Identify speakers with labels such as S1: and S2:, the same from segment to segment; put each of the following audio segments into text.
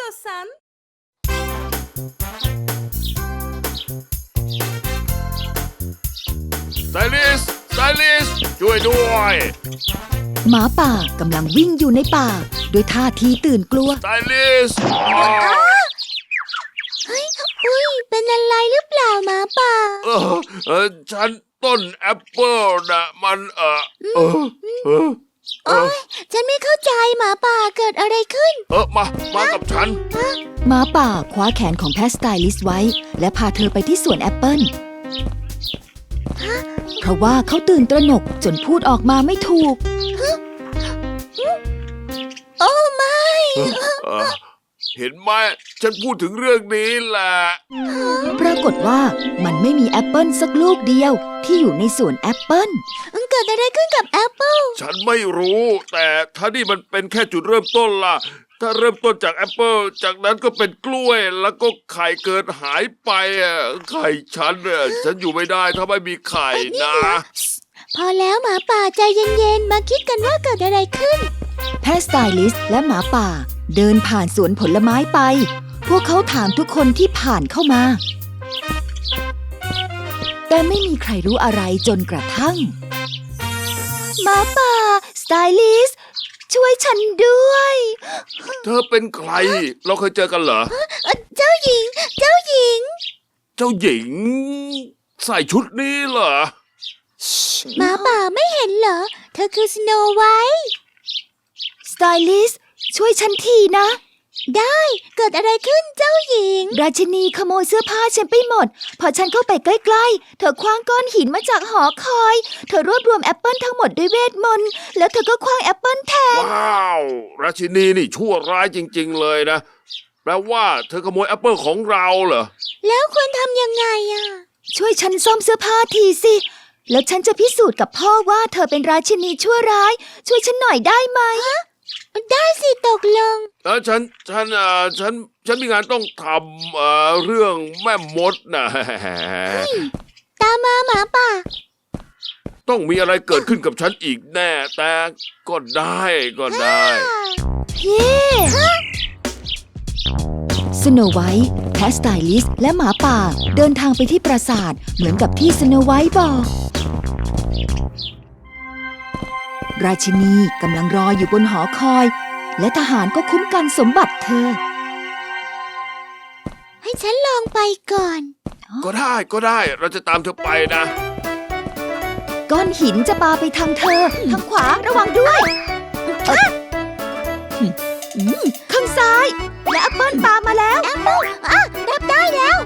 S1: istiyorsan.
S2: ไซลิสช่วยด้วย
S3: หมาป่ากำลังวิ่งอยู่ในป่าด้วยท่าทีตื่นกลัว
S2: ไซลิส
S4: อุ้ยเป็นอะไรหรือเปล่าหมาป่า
S2: ฉันต้นแอปเปิลนะมัน
S4: ฉันไม่เข้าใจหมาป่าเกิดอะไรขึ้น
S2: มากับฉัน
S3: หมาป่าคว้าแขนของแพสไตลิสไว้ และพาเธอไปที่สวนแอปเปิลเพราะว่าเขาตื่นตระหนกจนพูดออกมาไม่ถูก
S4: โอ้ไม่
S2: เห็นไหมฉันพูดถึงเรื่องนี้แหละ
S3: ปรากฏว่ามันไม่มีแอปเปิลสักลูกเดียวที่อยู่ในสวนแอปเปิล
S4: เกิดอะไรขึ้นกับแอปเปิล
S2: ฉันไม่รู้แต่ถ้านี่มันเป็นแค่จุดเริ่มต้นล่ะถ้าเริ่มต้นจากแอปเปิลจากนั้นก็เป็นกล้วยแล้วก็ไข่เกิดหายไปไข่ฉันอยู่ไม่ได้ถ้าไม่มีไข่นะ
S4: พอแล้วหมาป่าใจเย็นๆมาคิดกันว่าเกิดอะไรขึ้น
S3: แพสไตลิสและหมาป่าเดินผ่านสวนผลไม้ไป พวกเขาถามทุกคนที่ผ่านเข้ามา แต่ไม่มีใครรู้อะไรจนกระทั่งหมาป่าสไตลิสช่วยฉันด้วย
S2: เธอเป็นใครเราเคยเจอกันเหรอ
S4: เจ้าหญิง
S2: เจ้าหญิงใส่ชุดนี้เหรอ
S4: หมาป่าไม่เห็นเหรอ เธอคือสโนไวท์
S3: สไตลิสช่วยฉันทีนะ
S4: ได้เกิดอะไรขึ้นเจ้าหญิง
S3: ราชินีขโมยเสื้อผ้าฉันไปหมด พอฉันเข้าไปใกล้ๆเธอคว้างก้อนหินมาจากหอคอย เธอรวบรวมแอปเปิลทั้งหมดด้วยเวทมนต์แล้วเธอก็คว้างแอปเปิลแทน
S2: ว้าวราชินีนี่ชั่วร้ายจริงๆเลยนะแปลว่าเธอขโมยแอปเปิลของเราเหรอ
S4: แล้วควรทำยังไงอะ
S3: ช่วยฉันซ่อมเสื้อผ้าทีสิแล้วฉันจะพิสูจน์กับพ่อว่าเธอเป็นราชินีชั่วร้าย ช่วยฉันหน่อยได้ไหม
S4: ได้สิตกลง
S2: ฉันมีงานต้องทำเรื่องแม่มดนะ
S4: ตามมาหมาป่า
S2: ต้องมีอะไรเกิดขึ้นกับฉันอีกแน่แต่ก็ได้
S3: เย้สโนไวท์แพสไตลิสและหมาป่าเดินทางไปที่ปราสาทเหมือนกับที่สโนไวท์บอก ราชินีกำลังรออยู่บนหอคอย และทหารก็คุ้มกันสมบัติเธอ
S4: ให้ฉันลองไปก่อน
S2: ก็ได้เราจะตามเธอไปนะ
S3: ก้อนหินจะปาไปทางเธอ ทางขวาระวังด้วยข้างซ้าย และแอปเปิลปามาแล้ว
S4: แอปเปิลรับได้แล้ว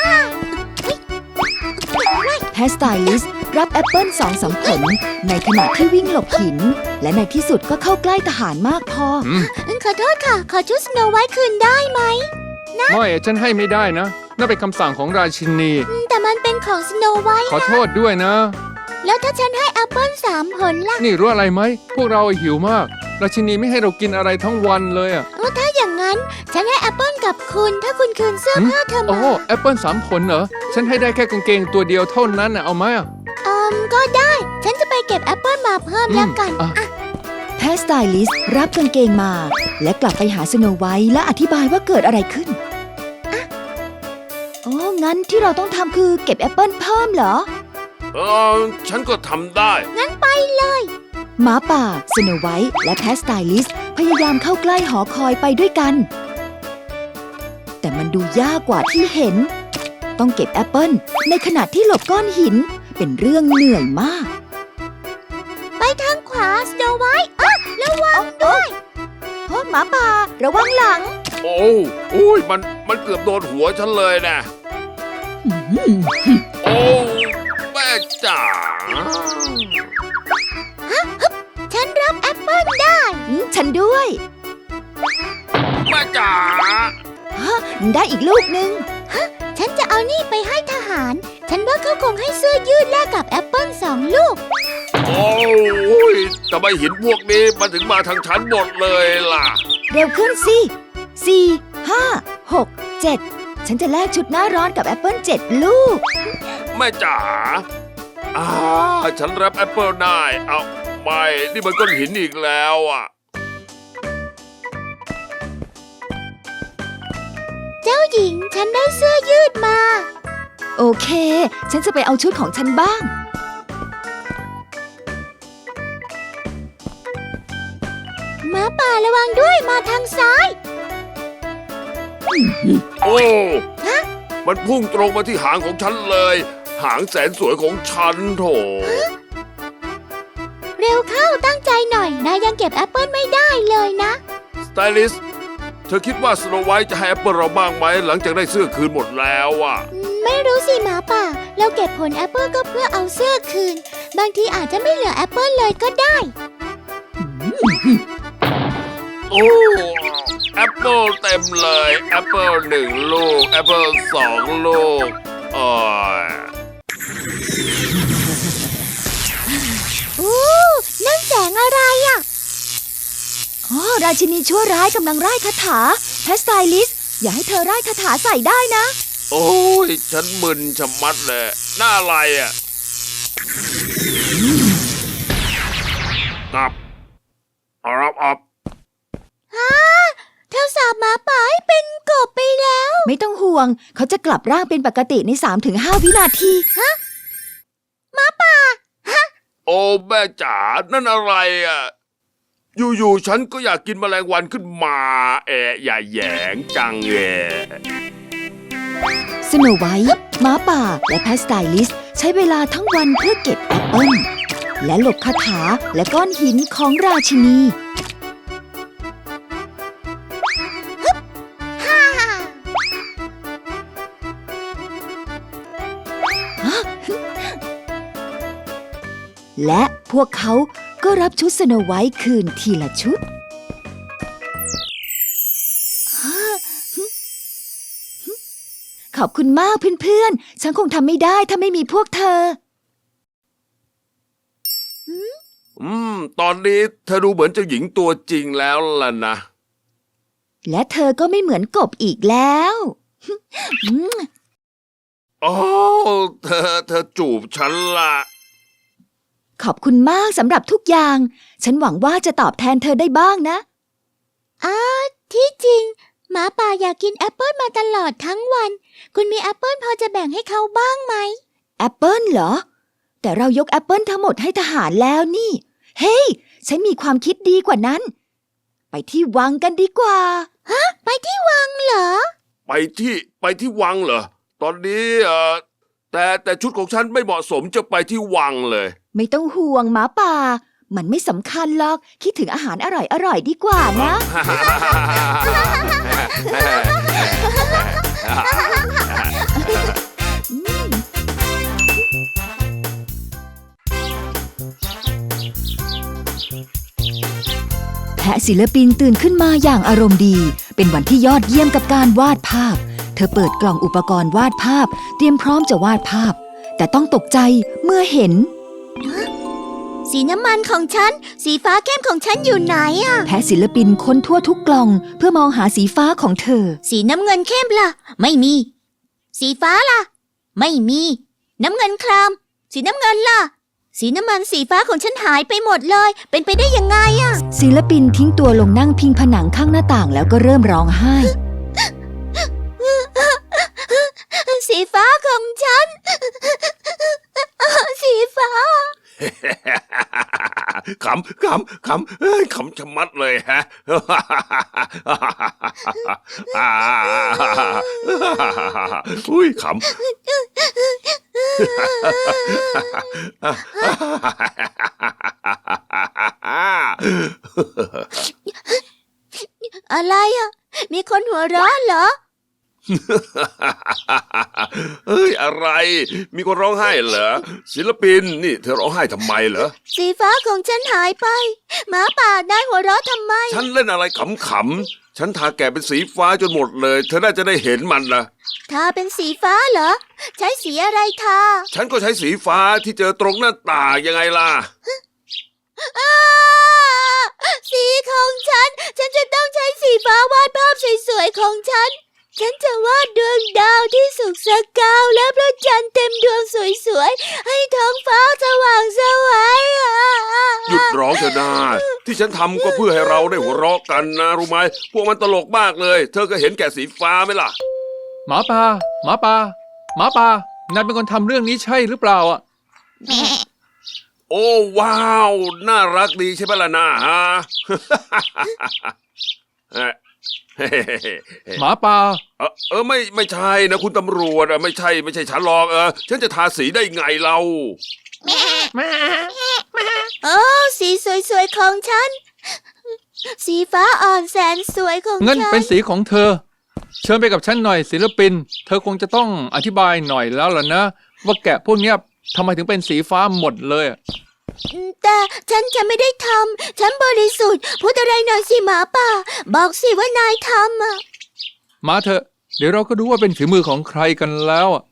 S4: ฮ่า
S3: แพสไตลิสรับแอปเปิล2-3 ผลในขณะที่วิ่งหลบหิน และในที่สุดก็เข้าใกล้ทหารมากพอ
S4: ขอโทษค่ะ ขอชุดสโนไวท์คืนได้ไหม
S5: ไม่ฉันให้ไม่ได้นะนั่นเป็นคำสั่งของราชินี
S4: แต่มันเป็นของสโนไวท์
S5: ขอโทษด้วยนะ
S4: แล้วถ้าฉันให้แอปเปิล3 ผลล่ะ
S5: นี่รู้อะไรไหมพวกเราหิวมาก ราชินีไม่ให้เรากินอะไรทั้งวันเลยอ่ะ
S4: ถ้าอย่างนั้น ฉันให้แอปเปิลกับคุณ ถ้าคุณคืนเสื้อผ้าเธอ
S5: โอ้
S4: มา
S5: แอปเปิล3 ผลเหรอฉันให้ได้แค่กางเกงตัวเดียวเท่านั้นน่ะเอาไหมอ่ะ
S4: ก็ได้ ฉันจะไปเก็บแอปเปิลมาเพิ่มแล้วกัน
S3: แพสไตลิสรับกางเกงมา และกลับไปหาสโนไวท์และอธิบายว่าเกิดอะไรขึ้นโอ้งั้นที่เราต้องทำคือเก็บแอปเปิลเพิ่มเหรอ
S2: ฉันก็ทำได้
S4: งั้นไปเลย
S3: หมาป่าสโนไวท์และแพสไตลิสพยายามเข้าใกล้หอคอยไปด้วยกัน แต่มันดูยากกว่าที่เห็น ต้องเก็บแอปเปิลในขณะที่หลบก้อนหินเป็นเรื่องเหนื่อยมาก
S4: ไปทางขวาสโนไวท์ระวังด้วย
S3: โอ้หมาป่าระวังหลัง
S2: โอ้ยมันเกือบโดนหัวฉันเลยนะโอ้แม่จ๋า
S4: ฉันรับแอปเปิลได้
S3: ฉันด้วย
S2: แม่จ๋า
S3: ได้อีกลูกนึง
S4: ฉันจะเอานี่ไปให้ทหาร ฉันว่าเขาคงให้เสื้อยืดแลกกับแอปเปิล2 ลูก
S2: โอ้ยทำไมหินพวกนี้มันถึงมาทางฉันหมดเลยล่ะ
S3: เร็วขึ้นสิ 4 5 6 7 ฉันจะแลกชุดหน้าร้อนกับแอปเปิล7 ลูก
S2: แม่จ๋าฉันรับแอปเปิลได้เอาไม่นี่มันก้อนหินอีกแล้วอ่ะ
S4: หญิง ฉันได้เสื้อยืดมา
S3: โอเค ฉันจะไปเอาชุดของฉันบ้าง
S4: หมาป่าระวังด้วยมาทางซ้าย
S2: โอ้มันพุ่งตรงมาที่หางของฉันเลย หางแสนสวยของฉันโถ
S4: เร็วเข้าตั้งใจหน่อย นายยังเก็บแอปเปิลไม่ได้เลยนะ
S2: สไตลิสต์เธอคิดว่าสโนไวท์จะให้แอปเปิลเราบ้างไหมหลังจากได้เสื้อคืนหมดแล้วอ่ะ
S4: ไม่รู้สิหมาป่า เราเก็บผลแอปเปิลก็เพื่อเอาเสื้อคืน บางทีอาจจะไม่เหลือแอปเปิลเลยก็ได้
S2: โอ้แอปเปิลเต็มเลยแอปเปิล1 ลูกแอปเปิล2 ลูกอ๋อ
S4: นั่นแสงอะไรอ่ะ
S3: อ๋อ ราชินีชั่วร้ายกำลังร่ายคาถาแพสไตลิสอย่าให้เธอร่ายคาถาใส่ได้นะ
S2: โอ้ยฉันมึนชะมัดเลยหน้าอะไรอ่ะอับอับ
S4: เธอสาบหมาป่าให้เป็นกบไปแล้ว
S3: ไม่ต้องห่วง เขาจะกลับร่างเป็นปกติใน 3-5 วินาที
S2: โอ้แม่จ๋านั่นอะไรอ่ะอยู่ๆฉันก็อยากกินแมลงวันขึ้นมาอย่าแหยงจัง
S3: สโนไวท์หมาป่า และแพสไตลิสใช้เวลาทั้งวันเพื่อเก็บแอปเปิ้ลและหลบคาถาและก้อนหินของราชินี และพวกเขาก็รับชุดสโนไวท์คืนทีละชุด ขอบคุณมากเพื่อนๆ ฉันคงทำไม่ได้ถ้าไม่มีพวกเธอ
S2: ตอนนี้เธอดูเหมือนเจ้าหญิงตัวจริงแล้วล่ะนะ
S3: และเธอก็ไม่เหมือนกบอีกแล้ว
S2: โอ้เธอจูบฉันล่ะ
S3: ขอบคุณมากสำหรับทุกอย่าง ฉันหวังว่าจะตอบแทนเธอได้บ้างนะ
S4: ที่จริงหมาป่าอยากกินแอปเปิลมาตลอดทั้งวัน คุณมีแอปเปิลพอจะแบ่งให้เขาบ้างไหม
S3: แอปเปิลเหรอ แต่เรายกแอปเปิลทั้งหมดให้ทหารแล้วนี่ เฮ้ย ฉันมีความคิดดีกว่านั้น ไปที่วังกันดีกว่า
S4: ไปที่วังเหรอ
S2: ไปที่วังเหรอ ตอนนี้แต่ชุดของฉันไม่เหมาะสมจะไปที่วังเลย
S3: ไม่ต้องห่วงหมาป่า มันไม่สำคัญหรอก คิดถึงอาหารอร่อยๆดีกว่านะ แพะศิลปินตื่นขึ้นมาอย่างอารมณ์ดี เป็นวันที่ยอดเยี่ยมกับการวาดภาพ เธอเปิดกล่องอุปกรณ์วาดภาพ เตรียมพร้อมจะวาดภาพ แต่ต้องตกใจเมื่อเห็น
S4: สีน้ำมันของฉัน สีฟ้าเข้มของฉันอยู่ไหนอะ
S3: แพะศิลปินค้นทั่วทุกกล่อง เพื่อมองหาสีฟ้าของเธอ
S4: สีน้ำเงินเข้มล่ะ ไม่มี สีฟ้าล่ะ ไม่มี น้ำเงินคราม สีน้ำเงินล่ะ สีน้ำมันสีฟ้าของฉันหายไปหมดเลย เป็นไปได้ยังไงอะ
S3: ศิลปินทิ้งตัวลงนั่งพิงผนังข้างหน้าต่างแล้วก็เริ่มร้องไห้
S4: สีฟ้าของฉัน สีฟ้า
S2: ขำชะมัดเลยฮะ อุ้ยขำ
S4: อะไรอะมีคนหัวเราะเหรอ
S2: เฮ้ยอะไร มีคนร้องไห้เหรอศิลปินนี่เธอร้องไห้ทำไมเหรอ
S4: สีฟ้าของฉันหายไปหมาป่านายหัวเราะทำไม
S2: ฉันเล่นอะไรขำๆฉันทาแกะเป็นสีฟ้าจนหมดเลย เธอน่าจะได้เห็นมันนะ
S4: ทาเป็นสีฟ้าเหรอ ใช้สีอะไรทา
S2: ฉันก็ใช้สีฟ้าที่เจอตรงหน้าต่างยังไงล่ะ
S4: สีของฉันจะต้องใช้สีฟ้าวาดภาพสวยๆของฉันจะวาดดวงดาวที่สุกสกาวและพระจันทร์เต็มดวงสวยๆให้ท้องฟ้าสว่างไสว
S2: หยุดร้องเถอะนาที่ฉันทำก็เพื่อให้เราได้หัวเราะกันนะรู้ไหมพวกมันตลกมากเลย เธอก็เห็นแก่สีฟ้าไหมล่ะ
S5: หมาป่าหมาป่าหมาป่านายเป็นคนทำเรื่องนี้ใช่หรือเปล่าอ่ะ
S2: โอ้ว้าวน่ารักดีใช่ไหมล่ะนะฮะ
S5: หมาป่า
S2: ไม่ใช่นะคุณตำรวจไม่ใช่ฉันหรอกฉันจะทาสีได้ไงเรา
S4: โอ้สีสวยๆของฉัน สีฟ้าอ่อนแสนสวยของ
S5: เงิน
S4: ฉัน
S5: เป็นสีของเธอ เชิญไปกับฉันหน่อยศิลปิน เธอคงจะต้องอธิบายหน่อยแล้วล่ะนะ ว่าแกะพวกเนี้ยทำไมถึงเป็นสีฟ้าหมดเลยอะ
S4: แต่ฉันจะไม่ได้ทำ ฉันบริสุทธิ์ พูดอะไรหน่อยสิหมาป่า บอกสิว่านายทำอ่ะ
S5: มาเถอะ เดี๋ยวเราก็รู้ว่าเป็นฝีมือของใครกันแล้วอะ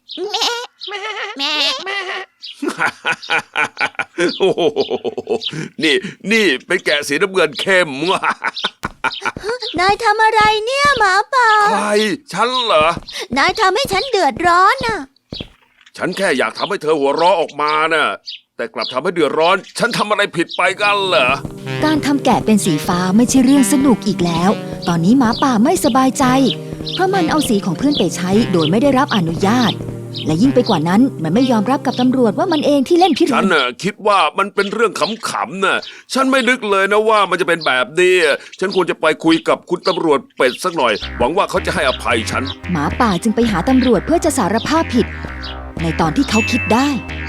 S2: โอ้โหนี่เป็นแกะสีน้ำเงินเข้ม
S4: นายทำอะไรเนี่ยหมาป่า
S2: ใครฉันเหรอ
S4: นายทำให้ฉันเดือดร้อนน่ะ
S2: ฉันแค่อยากทำให้เธอหัวเราะออกมาน่ะแต่กลับทำให้เดือดร้อน ฉันทำอะไรผิดไปกันเหรอ
S3: การทำแกะเป็นสีฟ้าไม่ใช่เรื่องสนุกอีกแล้ว ตอนนี้หมาป่าไม่สบายใจ เพราะมันเอาสีของเพื่อนไปใช้โดยไม่ได้รับอนุญาต และยิ่งไปกว่านั้นมันไม่ยอมรับกับตำรวจว่ามันเองที่เล่นพิรุ
S2: ฉัน
S3: ณ
S2: น่ะคิดว่ามันเป็นเรื่องขำๆน่ะฉันไม่นึกเลยนะว่ามันจะเป็นแบบนี้ฉันควรจะไปคุยกับคุณตำรวจเป็ดสักหน่อย หวังว่าเขาจะให้อภัยฉัน
S3: หมาป่าจึงไปหาตำรวจเพื่อจะสารภาพผิด ในตอนที่เขาคิดได้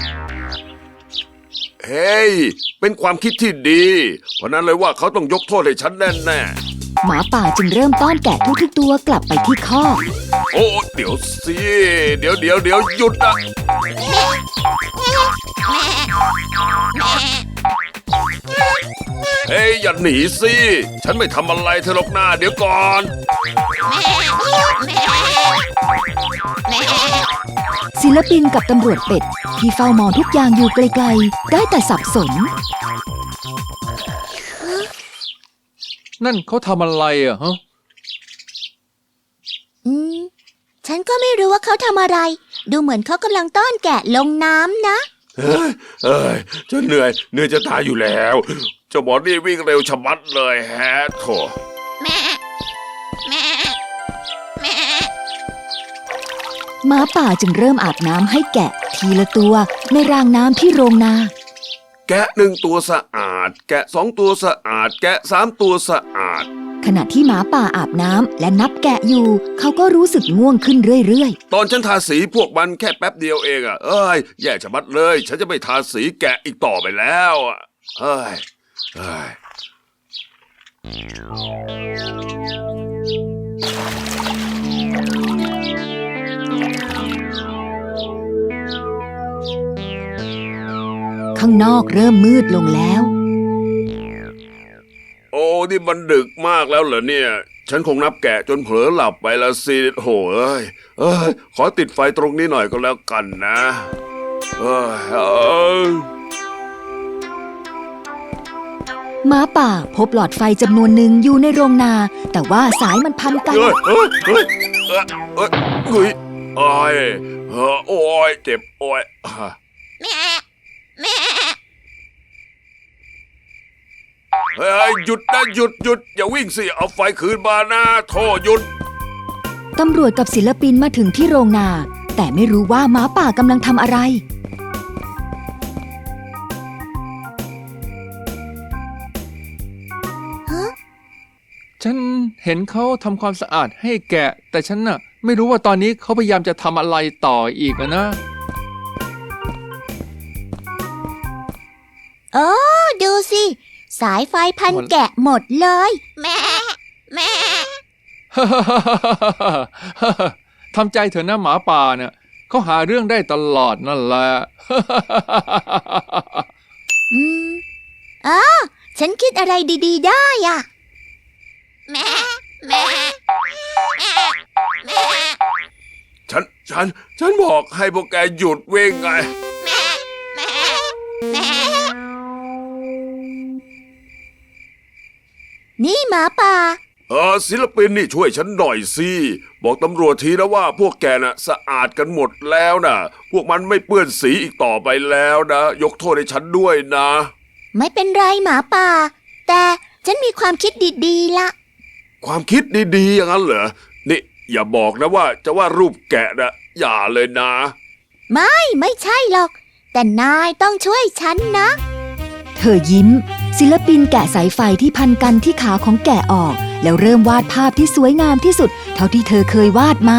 S2: เฮ้ยเป็นความคิดที่ดี เพราะนั้นเลยว่าเขาต้องยกโทษให้ฉันแน่ๆ
S3: หมาป่าจึงเริ่มต้อนแกะทุกๆตัวกลับไปที่คอก
S2: โอ้เดี๋ยวสิเดี๋ยวหยุดนะเฮ้ยอย่าหนีสิฉันไม่ทำอะไรเธอหรอกหน้าเดี๋ยวก่อน
S3: ศิลปินกับตำรวจเป็ดที่เฝ้ามองทุกอย่างอยู่ไกลๆได้แต่สับสน
S5: นั่นเขาทำอะไรอะฮะ
S4: ฉันก็ไม่รู้ว่าเขาทำอะไร ดูเหมือนเขากำลังต้อนแกะลงน้ำนะ
S2: เอ้ยฉันเหนื่อยจะตายอยู่แล้วเจ้าหมอนี่วิ่งเร็วชะมัดเลยแฮะโถ
S3: หมาป่าจึงเริ่มอาบน้ำให้แกะทีละตัวในรางน้ำที่โรงนา
S2: แกะ1 ตัวสะอาด แกะ2 ตัวสะอาด แกะ3 ตัวสะอาด
S3: ขณะที่หมาป่าอาบน้ำและนับแกะอยู่ เขาก็รู้สึกง่วงขึ้นเรื่อย
S2: ตอนฉันทาสีพวกมันแค่แป๊บเดียวเองเอ้ยแย่ชะมัดเลย ฉันจะไม่ทาสีแกะอีกต่อไปแล้วเอ้ย
S3: ๆ ข้างนอกเริ่มมืดลงแล้ว
S2: โอ้นี่มันดึกมากแล้วเหรอเนี่ย ฉันคงนับแกะจนเผลอหลับไปละสิโหเอ้ยขอติดไฟตรงนี้หน่อยก็แล้วกันนะเอ้ย
S3: หมาป่าพบหลอดไฟจำนวนหนึ่งอยู่ในโรงนา แต่ว่าสายมันพันกัน
S2: เฮ้ยโอ้ยโอ้ยเจ็บโอ้ยเฮ้ยหยุดนะหยุดอย่าวิ่งสิเอาไฟคืนมานะโทษหยุด
S3: ตำรวจกับศิลปินมาถึงที่โรงนา แต่ไม่รู้ว่าหมาป่ากำลังทำอะไร
S5: ฉันเห็นเขาทำความสะอาดให้แกะ แต่ฉันน่ะไม่รู้ว่าตอนนี้เขาพยายามจะทำอะไรต่ออีกอะนะ
S4: โอ้ดูสิ สายไฟพันแกะหมดเลย
S5: ทำใจเถอะนะหมาป่าเนี่ยเขาหาเรื่องได้ตลอดนั่นแหละ
S4: ฉันคิดอะไรดีๆได้อ่ะ
S2: ฉันบอกให้พวกแกหยุดวิ่งไง
S4: นี่หมาป่า
S2: ศิลปินนี่ช่วยฉันหน่อยสิบอกตำรวจทีนะว่าพวกแกน่ะสะอาดกันหมดแล้วนะพวกมันไม่เปื้อนสีอีกต่อไปแล้วนะยกโทษให้ฉันด้วยนะ
S4: ไม่เป็นไรหมาป่า แต่ฉันมีความคิดดีๆละ
S2: ความคิดดีๆอย่างนั้นเหรอนี่อย่าบอกนะว่าจะวาดรูปแกะนะอย่าเลยนะ
S4: ไม่ใช่หรอก แต่นายต้องช่วยฉันนะ
S3: เธอยิ้ม ศิลปินแกะสายไฟที่พันกันที่ขาของแกะออก แล้วเริ่มวาดภาพที่สวยงามที่สุด เท่าที่เธอเคยวาดมา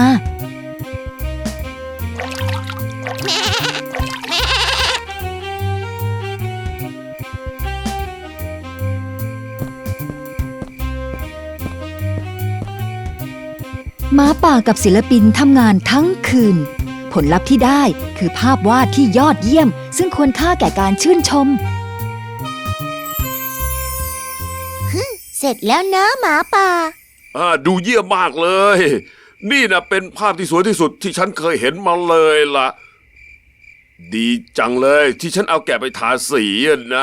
S3: หมาป่ากับศิลปินทำงานทั้งคืน ผลลัพธ์ที่ได้คือภาพวาดที่ยอดเยี่ยม ซึ่งควรค่าแก่การชื่นชม
S4: เสร็จแล้วนะหมาป่า
S2: ดูเยี่ยมมากเลย นี่นะเป็นภาพที่สวยที่สุดที่ฉันเคยเห็นมาเลยล่ะ ดีจังเลยที่ฉันเอาแกะไปทาสีอะนะ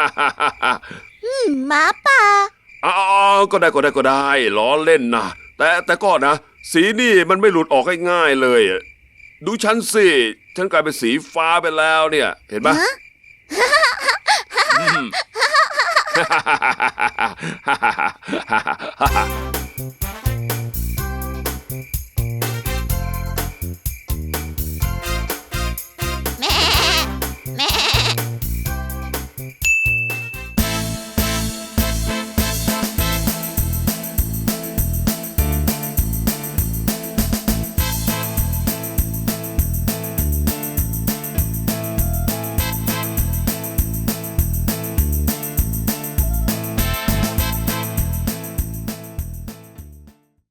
S4: หมาป่า
S2: อ๋อก็ได้ล้อเล่นนะแต่ก็นะ สีนี่มันไม่หลุดออกง่ายๆเลยอะดูฉันสิฉันกลายเป็นสีฟ้าไปแล้วเนี่ย เห็นไหม
S4: ฮะ
S2: อืม